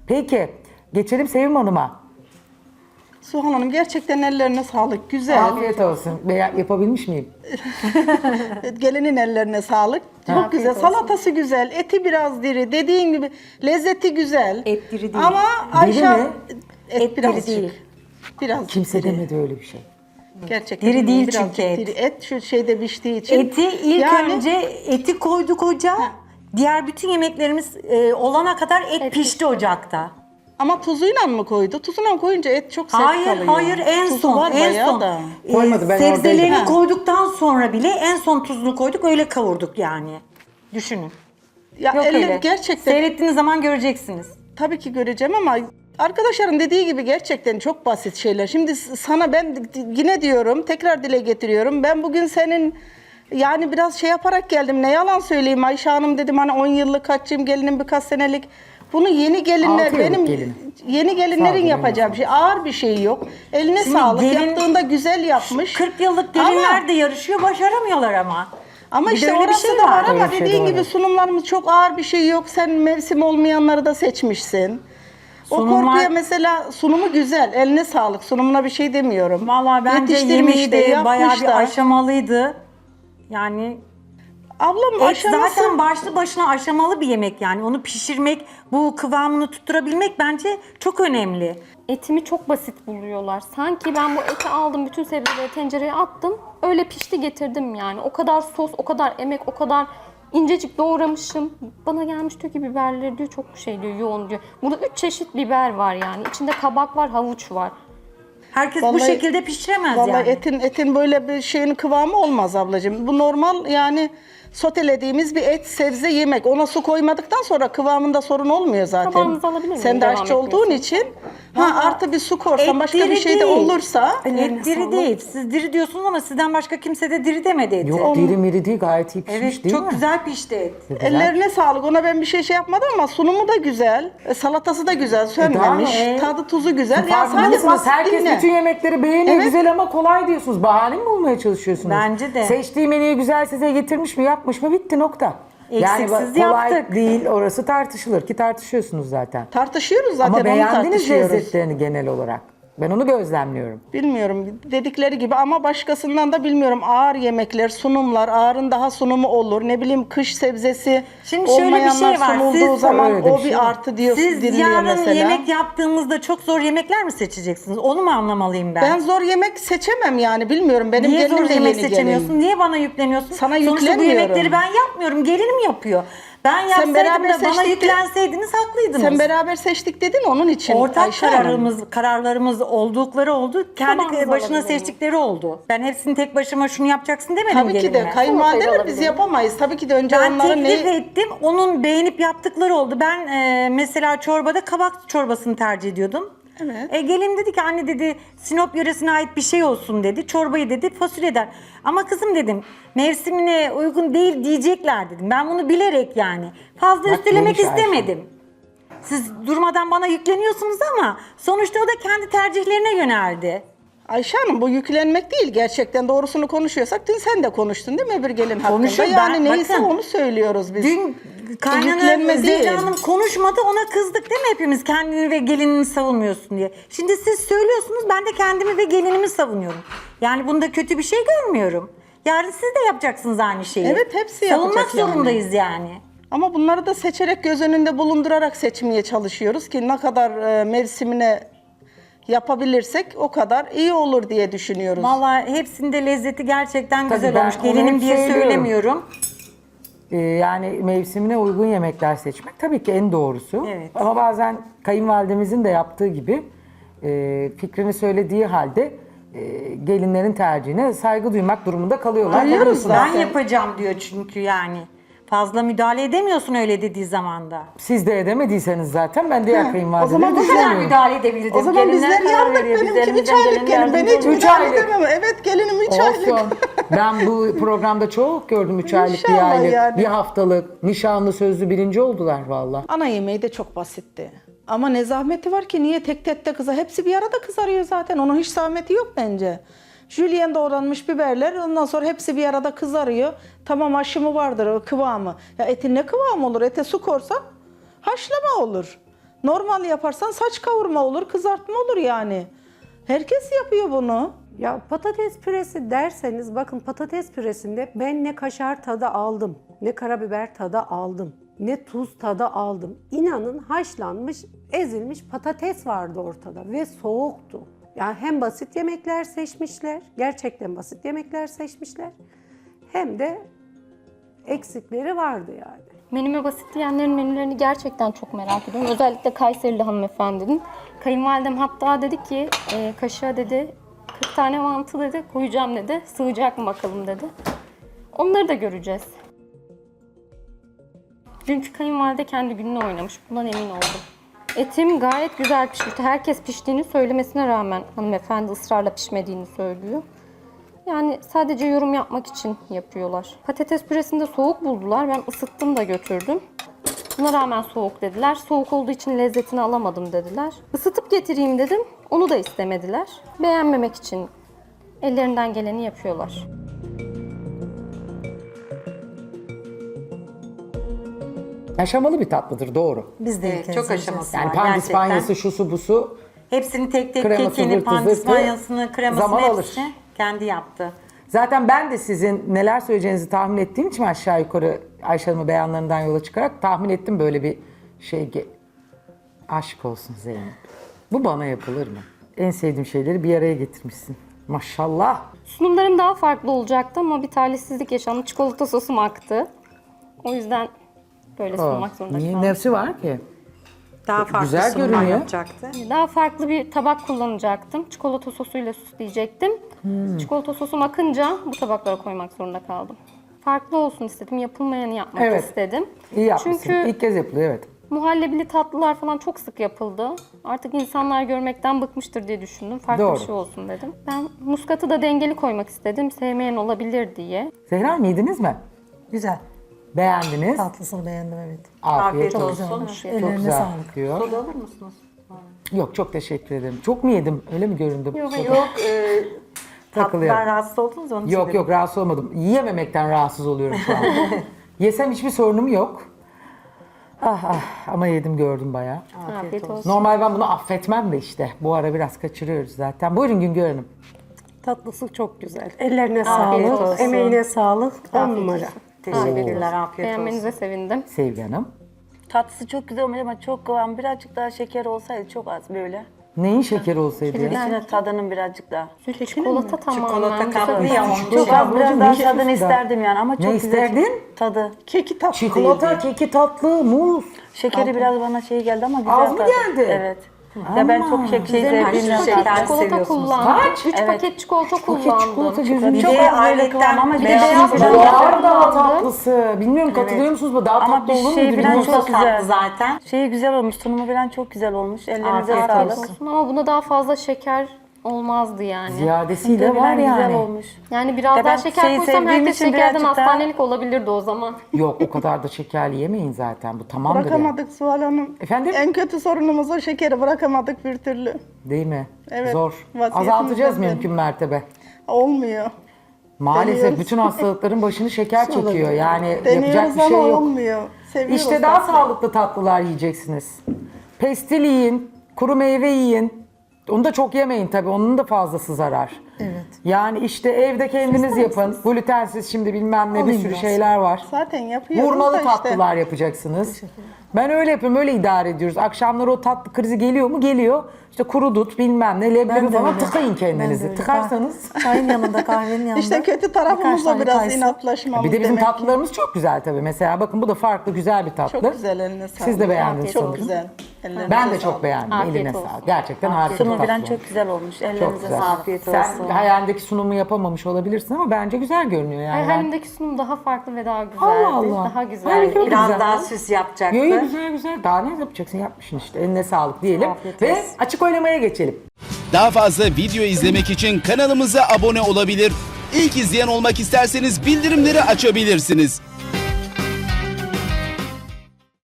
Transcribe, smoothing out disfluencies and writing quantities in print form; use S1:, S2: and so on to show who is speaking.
S1: Peki geçelim Sevim Hanım'a.
S2: Suhan Hanım gerçekten ellerine sağlık. Güzel.
S1: Afiyet olsun. Yapabilmiş miyim?
S2: Gelinin ellerine sağlık. Çok güzel. Salatası güzel. Eti biraz diri. Dediğin gibi lezzeti güzel.
S3: Et diri değil.
S2: Ama Ayşe
S1: mi?
S2: et
S3: diri
S2: biraz
S3: değil.
S2: Biraz
S1: Kimse
S2: diri.
S1: demedi öyle bir şey.
S2: Gerçekten
S3: Diri değil
S2: birazcık
S3: çünkü et.
S2: diri. Et şu şeyde piştiği için.
S3: Eti ilk
S2: Yani-
S3: önce eti koyduk ocağa. Diğer bütün yemeklerimiz olana kadar et pişti ocakta.
S2: Ama tuzuyla mı koydu? Tuzuyla koyunca et çok sert
S3: Hayır,
S2: kalıyor.
S3: hayır en
S2: Tuzu
S3: son,
S2: var
S3: en
S2: bayağı
S3: son.
S2: da.
S1: Koymadı, ben
S3: Sebzelerini
S1: oradaydım.
S3: koyduktan sonra bile en son tuzunu koyduk, öyle kavurduk yani. Düşünün.
S2: Ya
S3: Yok
S2: elle
S3: öyle.
S2: gerçekten
S3: Seyrettiğiniz zaman göreceksiniz.
S2: tabii ki göreceğim ama arkadaşların dediği gibi gerçekten çok basit şeyler. Şimdi sana ben yine diyorum, tekrar dile getiriyorum. Ben bugün senin yani biraz şey yaparak geldim. Ne yalan söyleyeyim Ayşe Hanım dedim hani 10 yıllık kaçayım gelinim birkaç senelik. Bunu yeni gelinler
S1: 6 yıllık
S2: benim
S1: gelin.
S2: yeni gelinlerin
S1: Sağ ol,
S2: yapacağı bir şey. Ağır bir şey yok. Eline
S3: Şimdi
S2: sağlık.
S3: gelin-
S2: Yaptığında güzel yapmış.
S3: 40 yıllık gelinler de yarışıyor, başaramıyorlar ama.
S2: Ama
S3: Bir de
S2: işte
S3: öyle bir
S2: orası
S3: şey
S2: da var
S3: var.
S2: ama
S1: Öyle bir şey de
S2: dediğin
S1: var,
S2: gibi
S1: evet.
S2: sunumlarımız çok ağır bir şey yok. Sen mevsim olmayanları da seçmişsin. O
S3: Sunumlar-
S2: korkuya mesela sunumu güzel. Eline sağlık. Sunumuna bir şey demiyorum.
S3: Vallahi bence
S2: Yetiştirmiş
S3: yemeği
S2: de,
S3: de bayağı
S2: yapmış
S3: bir
S2: da.
S3: aşamalıydı. Yani
S2: Ablam
S3: et
S2: aşaması
S3: zaten başlı başına aşamalı bir yemek yani. Onu pişirmek, bu kıvamını tutturabilmek bence çok önemli.
S4: Etimi çok basit buluyorlar. Sanki ben bu eti aldım, bütün sebzeleri tencereye attım. Öyle pişti getirdim yani. O kadar sos, o kadar emek, o kadar incecik doğramışım. Bana gelmiş diyor ki biberleri diyor çok şey diyor, yoğun diyor. Burada 3 çeşit biber var yani. İçinde kabak var, havuç var.
S3: Herkes bu
S2: Vallahi-
S3: şekilde pişiremez
S2: vallahi
S3: yani.
S2: etin böyle bir şeyin kıvamı olmaz ablacığım. Bu normal yani sotelediğimiz bir et, sebze, yemek. Ona su koymadıktan sonra kıvamında sorun olmuyor zaten.
S4: Tabağınızı alabilir miyim?
S2: Sen de
S4: Devam
S2: aşçı olduğun
S4: etmiyorsun.
S2: için artı bir su korsan
S3: Et
S2: başka bir
S3: diri
S2: şey de
S3: değil.
S2: olursa
S3: Et diri değil. Siz diri diyorsunuz ama sizden başka kimse de diri demedi eti.
S1: Yok diri miri değil, gayet iyi pişmiş
S3: Evet,
S1: değil
S3: çok
S1: mi?
S3: güzel pişti et.
S2: ellerine sağlık. Ona ben bir şey yapmadım ama sunumu da güzel. Salatası da güzel, sönmemiş.
S3: tamam,
S2: Tadı tuzu güzel. Ya
S1: Farkında
S2: sadece
S1: mısınız?
S2: basit
S1: Herkes
S2: dinle.
S1: bütün yemekleri beğeniyor.
S2: Evet.
S1: Güzel ama kolay diyorsunuz. Bahane mi bulmaya çalışıyorsunuz?
S3: Bence de.
S1: Seçtiği menüyü güzel size getirmiş mi, yapmış mı, bitti nokta.
S3: Eksiksiz
S1: kolay
S3: yaptık.
S1: değil, orası tartışılır ki tartışıyorsunuz zaten.
S2: Tartışıyoruz zaten,
S1: Ama
S2: onu
S1: beğendiniz
S2: tartışıyoruz.
S1: lezzetlerini genel olarak. Ben onu gözlemliyorum.
S2: Bilmiyorum dedikleri gibi ama başkasından da bilmiyorum. Ağır yemekler, sunumlar, ağırın daha sunumu olur. Ne bileyim kış sebzesi
S3: Şimdi şöyle bir
S2: olmayanlar
S3: şey var.
S2: sunulduğu
S3: Siz-
S2: zaman
S1: Öyle de bir
S2: o
S1: şey
S2: bir
S1: var.
S2: artı diyor,
S3: Siz
S2: dinliyor
S3: yarın
S2: mesela.
S3: yemek yaptığımızda çok zor yemekler mi seçeceksiniz? Onu mu anlamalıyım ben?
S2: Ben zor yemek seçemem yani bilmiyorum. Benim
S3: Niye
S2: gelinim
S3: zor
S2: de
S3: yemek
S2: yeni
S3: seçemiyorsun?
S2: gelin.
S3: Niye bana yükleniyorsun?
S2: Sana
S3: Sonuçta bu
S2: yüklenmiyorum.
S3: yemekleri ben yapmıyorum. Gelinim yapıyor. Ben yapsaydım
S2: beraber
S3: da bana
S2: seçtik de-
S3: yüklenseydiniz haklıydınız.
S2: Sen beraber seçtik dedin onun için.
S3: Ortak
S2: Ayşe Hanım.
S3: kararlarımız oldukları oldu. Kendi
S4: Tabağınızı
S3: başına
S4: alabilir miyim?
S3: seçtikleri oldu. Ben hepsini tek başıma şunu yapacaksın demedim
S2: Tabii ki de
S3: gelinime.
S2: kayınvalideler
S4: Salatayı
S2: biz
S4: alabilirim.
S2: yapamayız. Tabii ki de önce
S3: Ben
S2: onların
S3: teklif
S2: neyi...
S3: ettim. Onun beğenip yaptıkları oldu. Ben mesela çorbada kabak çorbasını tercih ediyordum.
S2: Evet.
S3: Gelin dedi ki anne dedi Sinop yöresine ait bir şey olsun dedi. Çorbayı dedi fasulyeden. Ama kızım dedim mevsimine uygun değil diyecekler dedim. Ben bunu bilerek yani. Fazla
S1: Bak,
S3: üstelemek
S1: neymiş Ayşe?
S3: istemedim. Siz durmadan bana yükleniyorsunuz ama sonuçta o da kendi tercihlerine yöneldi.
S2: Ayşe Hanım bu yüklenmek değil. Gerçekten doğrusunu konuşuyorsak dün sen de konuştun değil mi öbür gelin hakkında?
S3: Konuşuyorum
S2: Yani
S3: ben,
S2: neyse
S3: bakın.
S2: onu söylüyoruz biz.
S3: Dün kaynana
S2: Yüklenme değil.
S3: Zehra Hanım konuşmadı ona kızdık değil mi hepimiz kendini ve gelinini savunmuyorsun diye. Şimdi siz söylüyorsunuz ben de kendimi ve gelinimi savunuyorum. Yani bunda kötü bir şey görmüyorum. Yarın siz de yapacaksınız aynı şeyi.
S2: Evet, hepsi
S3: Savunmak
S2: yapacak yani.
S3: zorundayız yani.
S2: Ama bunları da seçerek göz önünde bulundurarak seçmeye çalışıyoruz ki ne kadar mevsimine yapabilirsek o kadar iyi olur diye düşünüyoruz.
S3: Vallahi hepsinde lezzeti gerçekten
S1: Tabii
S3: güzel
S1: ben
S3: olmuş.
S1: onu
S3: Gelinim
S1: hep
S3: diye
S1: söylüyorum.
S3: söylemiyorum.
S1: Yani mevsimine uygun yemekler seçmek tabii ki en doğrusu.
S3: Evet.
S1: Ama bazen kayınvalidemizin de yaptığı gibi fikrini söylediği halde gelinlerin tercihine saygı duymak durumunda kalıyorlar.
S2: Duyuyoruz
S1: Haklısınız.
S2: zaten.
S3: Ben yapacağım diyor çünkü yani. Fazla müdahale edemiyorsun öyle dediği zamanda.
S1: Siz de edemediyseniz zaten ben diğer
S2: o
S1: kayınvalideleri
S2: zaman bu kadar
S3: Bu kadar
S1: düşünemiyorum.
S3: müdahale edebilirdim.
S2: O zaman
S3: Gelinler
S2: bizler
S3: karar
S2: yandık.
S3: veriyor. Biz
S2: Benimki 3
S3: elimizden
S2: aylık
S3: geleni
S2: gelin. Ben
S3: yardımcı
S2: hiç
S3: oluyoruz.
S2: müdahale
S1: aylık.
S2: edemem. Evet gelinim 3 aylık.
S1: Olsun. Ben bu programda çok gördüm 3 aylık, bir
S2: İnşallah
S1: aylık,
S2: yani.
S1: bir haftalık. Nişanlı sözlü birinci oldular valla.
S2: Ana yemeği de çok basitti. Ama ne zahmeti var ki niye tek tek de kızar? Hepsi bir arada kızarıyor zaten. Onun hiç zahmeti yok bence. Jülyen doğranmış biberler ondan sonra hepsi bir arada kızarıyor. Tamam aşımı vardır o kıvamı. Ya etin ne kıvamı olur? Ete su korsan haşlama olur. Normal yaparsan saç kavurma olur, kızartma olur yani. Herkes yapıyor bunu.
S5: Ya patates püresi derseniz bakın patates püresinde ben ne kaşar tadı aldım, ne karabiber tadı aldım, ne tuz tadı aldım. İnanın haşlanmış, ezilmiş patates vardı ortada ve soğuktu. Yani hem basit yemekler seçmişler, gerçekten basit yemekler seçmişler, hem de eksikleri vardı yani.
S4: Menüme basit diyenlerin menülerini gerçekten çok merak ediyorum. Özellikle Kayserili hanımefendinin. Kayınvalidem hatta dedi ki kaşığa dedi 40 tane mantı dedi koyacağım dedi. Sığacak mı bakalım dedi. Onları da göreceğiz. Dünkü kayınvalide kendi gününü oynamış. Bundan emin oldum. Etim gayet güzel pişmişti. Herkes piştiğini söylemesine rağmen hanımefendi ısrarla pişmediğini söylüyor. Yani sadece yorum yapmak için yapıyorlar. Patates püresini de soğuk buldular. Ben ısıttım da götürdüm. Buna rağmen soğuk dediler. Soğuk olduğu için lezzetini alamadım dediler. Isıtıp getireyim dedim. Onu da istemediler. Beğenmemek için ellerinden geleni yapıyorlar.
S1: Aşamalı bir tatlıdır, doğru.
S3: Biz de ilk kez
S6: çok
S3: yiyeceğiz.
S6: aşaması
S1: Yani
S6: var
S1: pandispanyası, şusu busu
S3: Hepsini tek tek
S1: Kreması,
S3: kekini,
S1: zırtı,
S3: pandispanyasını, kremasını
S1: zaman alır.
S3: hepsini kendi yaptı.
S1: Zaten ben de sizin neler söyleyeceğinizi tahmin ettiğim için aşağı yukarı Ayşe Hanım'ın beyanlarından yola çıkarak tahmin ettim böyle bir şey. Aşk olsun Zeynep. Bu bana yapılır mı? En sevdiğim şeyleri bir araya getirmişsin. Maşallah.
S4: Sunumlarım daha farklı olacaktı ama bir talihsizlik yaşandı. Çikolata sosum aktı. O yüzden böyle sunmak zorunda
S1: Niye?
S4: kaldım.
S1: Nefsi var ki?
S3: Daha farklı
S1: Güzel
S3: sunumlar
S1: görünüyor.
S3: yapacaktı.
S4: Daha farklı bir tabak kullanacaktım. Çikolata sosuyla süsleyecektim. Çikolata sosum akınca bu tabaklara koymak zorunda kaldım. Farklı olsun istedim. Yapılmayanı yapmak
S1: Evet.
S4: istedim.
S1: İyi yapmışsın.
S4: Çünkü
S1: İlk kez yapılıyor, evet.
S4: muhallebili tatlılar falan çok sık yapıldı. Artık insanlar görmekten bıkmıştır diye düşündüm. Farklı
S1: Doğru.
S4: bir şey olsun dedim. Ben muskatı da dengeli koymak istedim. Sevmeyen olabilir diye.
S1: Zehra Hanım yediniz mi?
S7: Güzel.
S1: Beğendiniz.
S7: Tatlısını beğendim evet.
S1: Afiyet
S6: Afiyet
S1: olsun.
S6: olsun.
S1: Çok
S7: Ellerine
S1: güzel
S7: sağlık.
S1: diyor.
S6: Soda alır mısınız?
S1: Yok, çok teşekkür ederim. Çok mu yedim? Öyle mi göründüm?
S3: Yok,
S1: Soda.
S3: yok.
S1: Takılıyorum.
S3: Tatlıdan rahatsız oldunuz onun için
S1: Yok
S3: dedim.
S1: yok, rahatsız olmadım. Yiyememekten rahatsız oluyorum şu an. Yesem hiçbir sorunum yok. Ah ah, ama yedim gördüm bayağı.
S4: Afiyet olsun.
S1: Normal ben bunu affetmem de işte. Bu ara biraz kaçırıyoruz zaten. Buyurun Güngör Hanım.
S5: Tatlısı çok güzel. Ellerine
S3: Afiyet
S5: sağlık,
S3: olsun.
S5: emeğine sağlık. 10 numara.
S3: Teşekkürler, afiyet olsun.
S4: Beğenmenize sevindim.
S1: Sevgi Hanım.
S8: Tatlısı çok güzel olmuş ama çok kıvam. Birazcık daha şeker olsaydı çok az böyle.
S1: Neyin şekeri olsaydı ya?
S8: İçine tadının birazcık daha.
S4: Çikolata tamamen.
S3: Çikolata kaplı ya onun.
S8: Çok az biraz
S1: ablacığım,
S8: daha
S1: ne
S8: tadını
S1: şeker?
S8: isterdim yani ama çok
S1: Ne
S8: güzel.
S1: isterdin?
S8: Tadı.
S2: Keki tatlı
S1: Çikolata,
S2: değildi.
S1: keki tatlı, muz.
S8: Şekeri biraz bana şey geldi ama güzel
S1: Az mı
S8: tadı.
S1: geldi?
S8: Evet. Ya ben çok şey
S3: Güzel,
S8: sevdiğim
S3: şeker
S8: tatlı.
S4: Çikolata
S3: seviyorsunuz.
S4: kullandım.
S1: Kaç?
S4: 3 paket çikolata kullandım.
S1: çikolata gözünü
S3: Bir
S8: Çok
S3: de
S8: az böyle kıvam ama
S3: ayrıca
S8: bir de
S3: beyaz
S8: beyaz
S3: çikolata
S8: biraz
S1: Var daha tatlısı. Bilmiyorum katılıyor musunuz? Bu daha
S8: Ama
S1: tatlı
S8: bir
S1: olur
S8: şey
S1: muydu?
S8: falan
S1: bilmiyorum.
S8: çok güzel.
S3: tatlı zaten.
S8: Şeyi güzel olmuş, sunumu falan çok güzel olmuş. Ellerinize
S3: Afiyet
S8: sağlık.
S3: olsun.
S4: Ama buna daha fazla şeker olmazdı yani.
S1: Ziyadesiyle
S8: Tadı
S1: var
S8: falan güzel
S1: yani.
S8: olmuş.
S4: Yani biraz
S8: Ya
S4: daha
S8: ben
S4: şeker
S8: şeyi
S4: koysam
S8: sevdiğim
S4: herkes
S8: için
S4: şekerden
S8: birazcık daha-
S4: hastanelik olabilirdi o zaman.
S1: Yok, o kadar da şekerli yemeyin zaten. Bu tamamdır yani.
S2: Bırakamadık Suhal Hanım.
S1: Efendim?
S2: En kötü sorunumuz o, şekeri bırakamadık bir türlü.
S1: Değil mi?
S2: Evet,
S1: Zor.
S2: vaziyetimizden
S1: Azaltacağız
S2: biri.
S1: mümkün mertebe.
S2: Olmuyor.
S1: Maalesef
S2: Deniyoruz.
S1: bütün hastalıkların başını şeker çekiyor. Yani yapacak
S2: Deniyoruz
S1: bir şey
S2: ama
S1: yok.
S2: olmuyor. Seviyoruz
S1: İşte daha
S2: tatlıyı.
S1: sağlıklı tatlılar yiyeceksiniz. Pestil yiyin, kuru meyve yiyin. Onu da çok yemeyin tabii. Onun da fazlası zarar.
S7: Evet.
S1: Yani işte evde kendiniz yapın. Glutensiz şimdi bilmem ne bir
S7: Alayım
S1: sürü
S7: biraz.
S1: şeyler var.
S2: Zaten yapıyoruz
S1: Vurmalı
S2: da işte.
S1: tatlılar yapacaksınız. Ben öyle yapıyorum, öyle idare ediyoruz. Akşamları o tatlı krizi geliyor mu? Geliyor. İşte kuru dut bilmem ne, leblebi
S7: Ben de
S1: falan
S7: öyle.
S1: tıkayın
S7: Ben de
S1: kendinizi.
S7: öyle.
S1: Tıkarsanız.
S7: Çayın yanında, kahvenin yanında.
S2: İşte kötü
S7: birkaç
S2: tarafımız da
S7: tane
S2: biraz
S7: kayısı.
S2: inatlaşmamız
S1: Bir de bizim
S2: demek ki.
S1: tatlılarımız çok güzel tabii. Mesela bakın bu da farklı güzel bir tatlı.
S2: Çok güzel, eline sağlık.
S1: Siz de beğendiniz
S2: Çok
S1: sanırım.
S2: güzel. Ellerinize
S1: Ben de
S2: sağlık.
S1: çok beğendim.
S4: Afiyet
S1: Eline
S4: olsun.
S1: sağlık. Gerçekten harika bir
S8: Sunumu
S1: tatlı.
S8: falan çok güzel olmuş.
S1: Çok
S8: Ellerinize
S1: güzel.
S8: sağlık.
S3: Afiyet
S1: Sen
S3: olsun.
S1: hayalindeki sunumu yapamamış olabilirsin ama bence güzel görünüyor yani.
S4: Hayalimdeki sunum daha farklı ve daha güzeldi.
S1: Allah Allah.
S4: Daha güzeldi.
S1: Harika.
S3: Biraz
S1: Güzel.
S3: daha süs yapacaktı.
S1: Yo, yo, güzel güzel. Daha ne yapacaksın? Yapmışsın işte. Eline sağlık diyelim.
S3: Afiyet
S1: Ve
S3: olsun.
S1: açık oylamaya geçelim.
S9: Daha fazla video izlemek için kanalımıza abone olabilir. İlk izleyen olmak isterseniz bildirimleri açabilirsiniz.